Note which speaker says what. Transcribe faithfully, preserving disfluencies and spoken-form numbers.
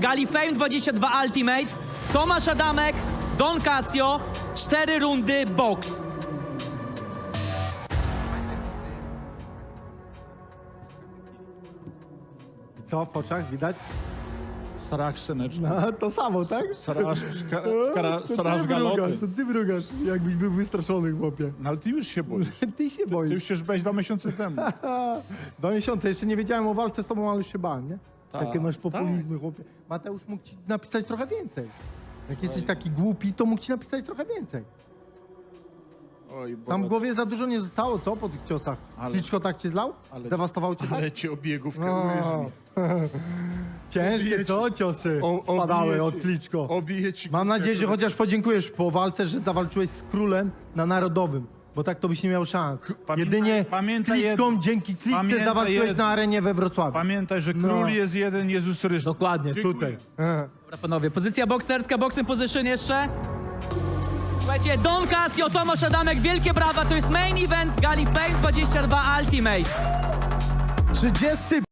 Speaker 1: Gali Fame dwadzieścia dwa Ultimate. Tomasz Adamek, Don Casio, cztery rundy box.
Speaker 2: I co w oczach widać?
Speaker 3: Straż sceneczny.
Speaker 2: No, to samo, tak?
Speaker 3: Straż, ska, skara,
Speaker 2: to
Speaker 3: straż
Speaker 2: ty
Speaker 3: galoty.
Speaker 2: mrugasz, to ty mrugasz, jakbyś był wystraszony, chłopie.
Speaker 3: No ale ty już się boisz.
Speaker 2: Ty się
Speaker 3: Ty
Speaker 2: boisz.
Speaker 3: już się żbeś dwa miesiące temu.
Speaker 2: Dwa miesiące, jeszcze nie wiedziałem o walce z tobą, ale już się bałem, nie?
Speaker 3: Tak,
Speaker 2: Takie masz populizmy, chłopie. Mateusz mógł ci napisać trochę więcej. Jak jesteś taki głupi, to mógł ci napisać trochę więcej.
Speaker 3: Oj, bo
Speaker 2: Tam w głowie za dużo nie zostało, co, po tych ciosach?
Speaker 3: Ale-
Speaker 2: Kliczko tak cię zlał?
Speaker 3: ale-
Speaker 2: Zdewastował cię tak?
Speaker 3: Ale cię obiegówkę
Speaker 2: O.
Speaker 3: ujesz.
Speaker 2: Ciężkie,
Speaker 3: Obije
Speaker 2: co,
Speaker 3: ci-
Speaker 2: ciosy
Speaker 3: O-
Speaker 2: spadały
Speaker 3: obije
Speaker 2: od
Speaker 3: ci-
Speaker 2: Kliczko.
Speaker 3: Obije ci
Speaker 2: Mam
Speaker 3: główkę,
Speaker 2: nadzieję, że
Speaker 3: kurwa.
Speaker 2: chociaż podziękujesz po walce, że zawalczyłeś z królem na narodowym, bo tak to byś nie miał szans.
Speaker 3: pamiętaj-
Speaker 2: Jedynie
Speaker 3: pamiętaj
Speaker 2: z Kliczką,
Speaker 3: jedno.
Speaker 2: dzięki Kliczce
Speaker 3: Pamiętaj
Speaker 2: zawalczyłeś
Speaker 3: jedno.
Speaker 2: na arenie we Wrocławiu.
Speaker 3: Pamiętaj, że
Speaker 2: No.
Speaker 3: król jest jeden, Jezus Chrystus.
Speaker 2: Dokładnie,
Speaker 3: Dziękuję.
Speaker 2: tutaj. Aha.
Speaker 1: Dobra, panowie, pozycja bokserska, boxing position jeszcze. Słuchajcie, Don Casio, Tomasz Adamek, wielkie brawa, to jest main event Gali Fame dwadzieścia dwa Ultimate.
Speaker 2: trzydziesty